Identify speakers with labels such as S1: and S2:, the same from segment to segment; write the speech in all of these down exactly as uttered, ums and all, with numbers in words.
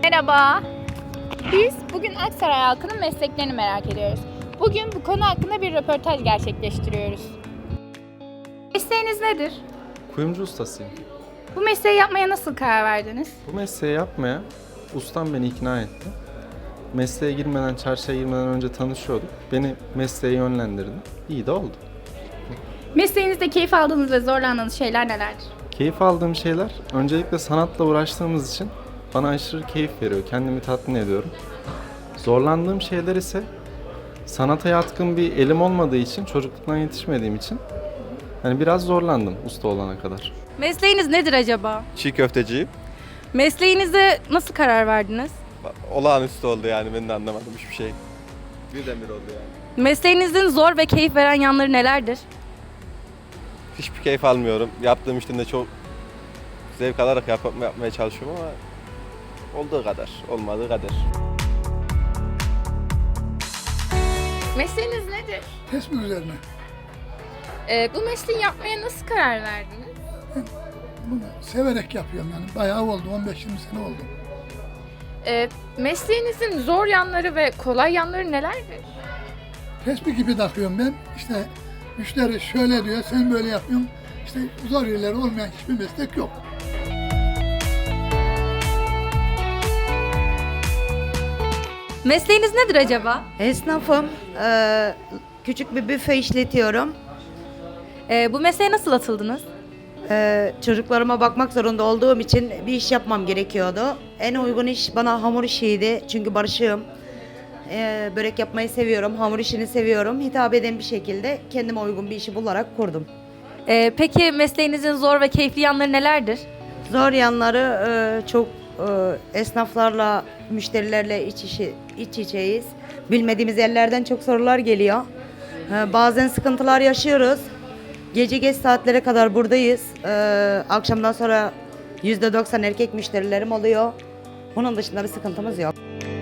S1: Merhaba. Biz bugün Aksaray halkının mesleklerini merak ediyoruz. Bugün bu konu hakkında bir röportaj gerçekleştiriyoruz. Mesleğiniz nedir?
S2: Kuyumcu ustasıyım.
S1: Bu mesleği yapmaya nasıl karar verdiniz?
S2: Bu mesleği yapmaya ustam beni ikna etti. Mesleğe girmeden, çarşıya girmeden önce tanışıyorduk. Beni mesleğe yönlendirdi. İyi de oldu.
S1: Mesleğinizde keyif aldığınız ve zorlandığınız şeyler nelerdir?
S2: Keyif aldığım şeyler, öncelikle sanatla uğraştığımız için bana aşırı keyif veriyor. Kendimi tatmin ediyorum. Zorlandığım şeyler ise sanata yatkın bir elim olmadığı için, çocukluktan yetişmediğim için yani biraz zorlandım usta olana kadar.
S3: Mesleğiniz nedir acaba?
S4: Çiğ köfteciyim.
S3: Mesleğinize nasıl karar verdiniz?
S4: Olağanüstü oldu yani, ben de anlamadım hiçbir şey. Birdenbire oldu yani.
S3: Mesleğinizin zor ve keyif veren yanları nelerdir?
S4: Hiçbir keyif almıyorum. Yaptığım işten de çok zevk alarak yap yapmaya çalışıyorum ama olduğu kadar, olmadığı kadar.
S1: Mesleğiniz nedir?
S5: Tespih üzerine.
S1: Ee, bu mesleği yapmaya nasıl karar verdiniz?
S5: Bunu severek yapıyorum yani. Bayağı oldu. on beş yirmi sene oldu.
S1: Ee, mesleğinizin zor yanları ve kolay yanları nelerdir?
S5: Tespih gibi takıyorum ben. İşte müşteri şöyle diyor, sen böyle yapıyorsun. İşte zor yerleri olmayan hiçbir meslek yok.
S3: Mesleğiniz nedir acaba?
S6: Esnafım. Ee, küçük bir büfe işletiyorum.
S3: Ee, bu mesleğe nasıl atıldınız?
S6: Ee, çocuklarıma bakmak zorunda olduğum için bir iş yapmam gerekiyordu. En uygun iş bana hamur işiydi. Çünkü barışığım. Ee, börek yapmayı seviyorum. Hamur işini seviyorum. Hitap eden bir şekilde kendime uygun bir işi bularak kurdum.
S3: Ee, peki mesleğinizin zor ve keyifli yanları nelerdir?
S6: Zor yanları e, çok e, esnaflarla, müşterilerle iç, içi, iç içeyiz. Bilmediğimiz yerlerden çok sorular geliyor. E, bazen sıkıntılar yaşıyoruz. Gece geç saatlere kadar buradayız. E, akşamdan sonra yüzde doksan erkek müşterilerim oluyor. Bunun dışında bir sıkıntımız yok.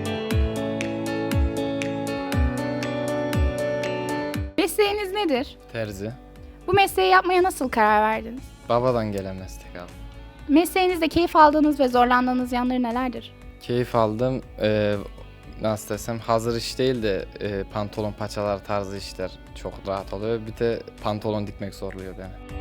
S1: Mesleğiniz nedir?
S7: Terzi.
S1: Bu mesleği yapmaya nasıl karar verdiniz?
S7: Babadan gelen meslek abi.
S1: Mesleğinizde keyif aldığınız ve zorlandığınız yanları nelerdir?
S7: Keyif aldım. Ee, nasıl desem, hazır iş değil de e, pantolon paçalar tarzı işler çok rahat oluyor. Bir de pantolon dikmek zorluyor beni.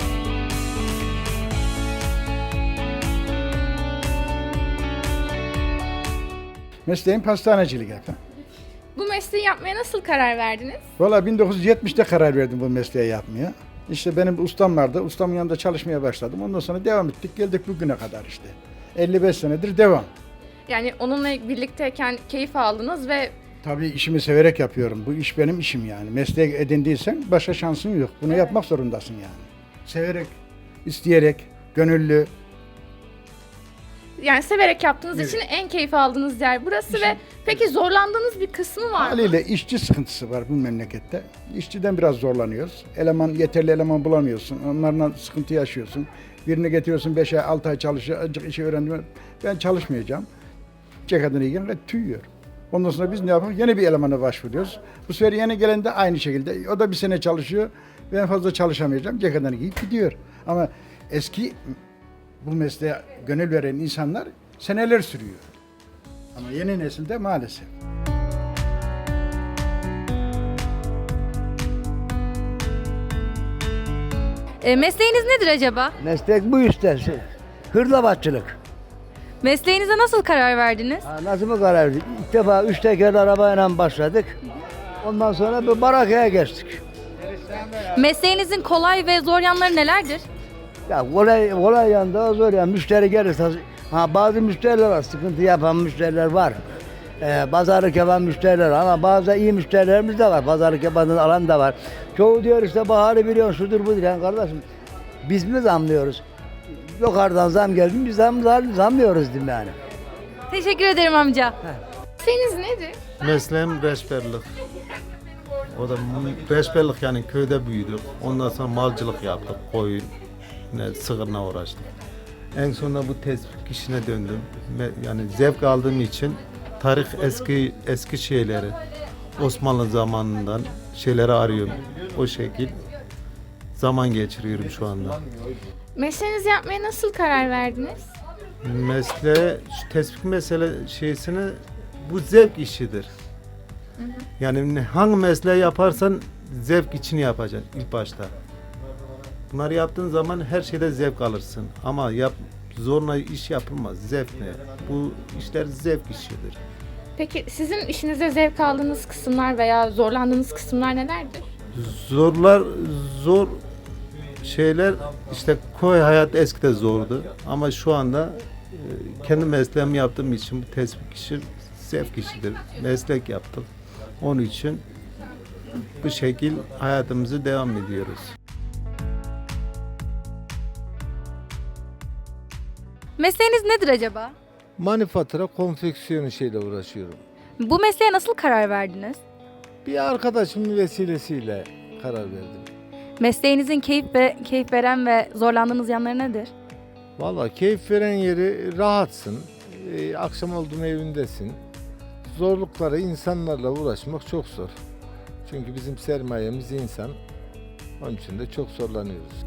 S8: Mesleğim pastanecilik efendim.
S1: Bu mesleği yapmaya nasıl karar verdiniz?
S8: Valla bin dokuz yüz yetmişte karar verdim bu mesleği yapmaya. İşte benim ustam vardı. Ustamın yanında çalışmaya başladım. Ondan sonra devam ettik. Geldik bugüne kadar işte. elli beş senedir devam.
S1: Yani onunla birlikteyken keyif aldınız ve
S8: Tabii işimi severek yapıyorum. Bu iş benim işim yani. Mesleği edindiysen başka şansın yok. Bunu yapmak zorundasın yani. Severek, isteyerek, gönüllü.
S1: yani severek yaptığınız
S8: Evet.
S1: için en keyif aldığınız yer burası ve peki zorlandığınız bir kısmı var mı?
S8: Haliyle işçi sıkıntısı var bu memlekette. İşçiden biraz zorlanıyoruz. Eleman, yeterli eleman bulamıyorsun. Onlarla sıkıntı yaşıyorsun. Birini getiriyorsun beş ay, altı ay çalışıyor. Azıcık işi öğrendim. Ben çalışmayacağım. Ceketini giyin, tüyüyor. Ondan sonra biz ne yapalım? Yeni bir elemana başvuruyoruz. Bu sefer yeni gelen de aynı şekilde. O da bir sene çalışıyor. Ben fazla çalışamayacağım. Ceketini giyip gidiyor. Ama eski bu mesleğe gönül veren insanlar seneler sürüyor. Ama yeni nesilde maalesef.
S3: Ee, mesleğiniz nedir acaba?
S9: Meslek bu işte. Hırlavatçılık.
S3: Mesleğinize nasıl karar verdiniz?
S9: Ha, nasıl mı karar verdik? İlk defa üç tekerli arabayla başladık. Ondan sonra bir barakaya geçtik.
S3: Mesleğinizin kolay ve zor yanları nelerdir?
S9: Ya kolay, kolay yanında zor ya. Müşteri gelirse, ha bazı müşteriler var, sıkıntı yapan müşteriler var. Ee, pazarlık yapan müşteriler var ama bazı iyi müşterilerimiz de var. Pazarlık yapan alan da var. Çoğu diyor işte baharı biliyorsun, şudur budur. Yani kardeşim biz mi zamlıyoruz? Yukarıdan zam geldi, biz zam, zam, zamlıyoruz diyeyim yani.
S3: Teşekkür ederim amca.
S1: Mesleğiniz nedir?
S10: Mesleğim reçberlik. O da reçberlik yani köyde büyüdük. Ondan sonra malcılık yaptık. Koyun, ne, sığırla uğraştık. En sonunda bu tespih işine döndüm. Me- Yani zevk aldığım için tarih eski eski şeyleri, Osmanlı zamanından şeyleri arıyorum. O şekil zaman geçiriyorum şu anda.
S1: Mesleğinizi yapmaya nasıl karar verdiniz?
S10: Mesleğe, şu tespit mesele şeysini bu zevk işidir. Yani ne- hangi mesleği yaparsan zevk için yapacaksın ilk başta. Bunları yaptığın zaman her şeyde zevk alırsın. Ama yap, zorla iş yapılmaz. Zevk ne? Bu işler zevk işidir.
S1: Peki sizin işinizde zevk aldığınız kısımlar veya zorlandığınız kısımlar nelerdir?
S10: Zorlar, zor şeyler işte köy hayatı eskide zordu. Ama şu anda e, kendi mesleğimi yaptığım için bu tespit işi zevk işidir. Meslek yaptık. Onun için bu şekil hayatımızı devam ediyoruz.
S3: Mesleğiniz nedir acaba?
S11: Manifatura konfeksiyon işiyle uğraşıyorum.
S3: Bu mesleğe nasıl karar verdiniz?
S11: Bir arkadaşımın vesilesiyle karar verdim.
S3: Mesleğinizin keyif ve keyif veren ve zorlandığınız yanları nedir?
S11: Vallahi keyif veren yeri rahatsın. Ee, akşam olduğun evindesin. Zorlukları insanlarla uğraşmak çok zor. Çünkü bizim sermayemiz insan. Onun için de çok zorlanıyoruz.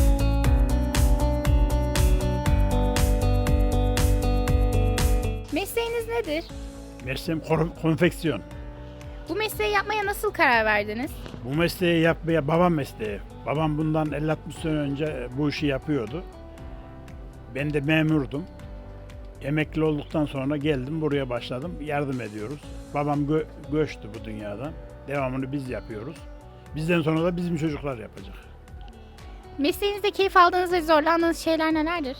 S1: Mesleğiniz nedir?
S12: Mesleğim kor- konfeksiyon.
S1: Bu mesleği yapmaya nasıl karar verdiniz?
S12: Bu mesleği yapmaya babam mesleği. Babam bundan elli altmış sene önce bu işi yapıyordu. Ben de memurdum. Emekli olduktan sonra geldim buraya başladım. Yardım ediyoruz. Babam gö- göçtü bu dünyadan. Devamını biz yapıyoruz. Bizden sonra da bizim çocuklar yapacak.
S1: Mesleğinizde keyif aldığınız ve zorlandığınız şeyler nelerdir?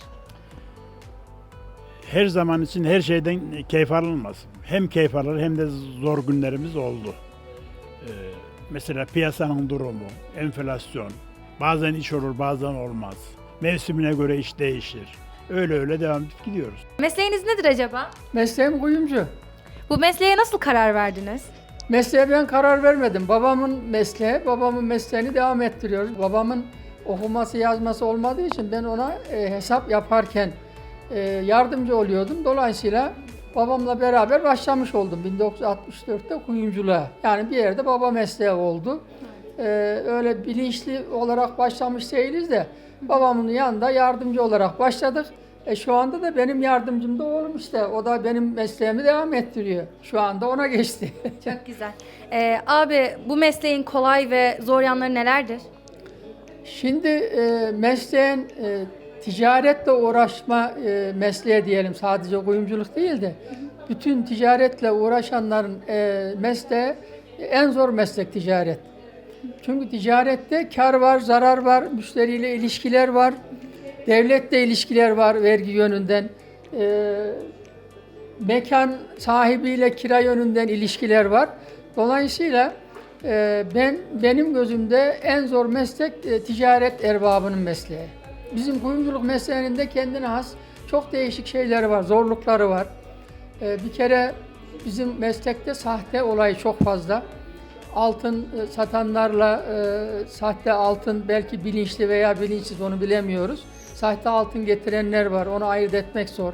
S12: Her zaman için her şeyden keyif alınmaz. Hem keyif alır hem de zor günlerimiz oldu. Ee, mesela piyasanın durumu, enflasyon, bazen iş olur bazen olmaz. Mevsimine göre iş değişir. Öyle öyle devam edip gidiyoruz.
S3: Mesleğiniz nedir acaba?
S13: Mesleğim kuyumcu.
S3: Bu mesleğe nasıl karar verdiniz?
S13: Mesleğe ben karar vermedim. Babamın mesleği, babamın mesleğini devam ettiriyoruz. Babamın okuması yazması olmadığı için ben ona e, hesap yaparken e, yardımcı oluyordum. Dolayısıyla babamla beraber başlamış oldum bin dokuz yüz altmış dörtte kuyumculuğa. Yani bir yerde baba mesleği oldu. E, öyle bilinçli olarak başlamış değiliz de babamın yanında yardımcı olarak başladık. E şu anda da benim yardımcım da oğlum işte. O da benim mesleğimi devam ettiriyor. Şu anda ona geçti.
S3: Çok güzel. Ee, abi bu mesleğin kolay ve zor yanları nelerdir?
S13: Şimdi e, mesleğin e, ticaretle uğraşma e, mesleği diyelim. Sadece kuyumculuk değil de bütün ticaretle uğraşanların e, mesleği en zor meslek ticaret. Çünkü ticarette kar var, zarar var, müşteriyle ilişkiler var. Devletle ilişkiler var vergi yönünden. E, mekan sahibiyle kira yönünden ilişkiler var. Dolayısıyla e, ben benim gözümde en zor meslek e, ticaret erbabının mesleği. Bizim kuyumculuk mesleğinin de kendine has çok değişik şeyleri var, zorlukları var. E, bir kere bizim meslekte sahte olayı çok fazla. Altın e, satanlarla e, sahte altın belki bilinçli veya bilinçsiz onu bilemiyoruz. Sahte altın getirenler var, onu ayırt etmek zor.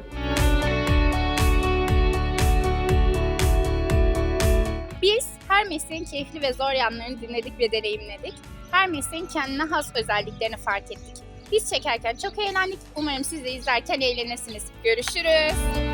S1: Biz her mesleğin keyifli ve zor yanlarını dinledik ve deneyimledik. Her mesleğin kendine has özelliklerini fark ettik. Biz çekerken çok eğlendik. Umarım siz de izlerken eğlenirsiniz. Görüşürüz.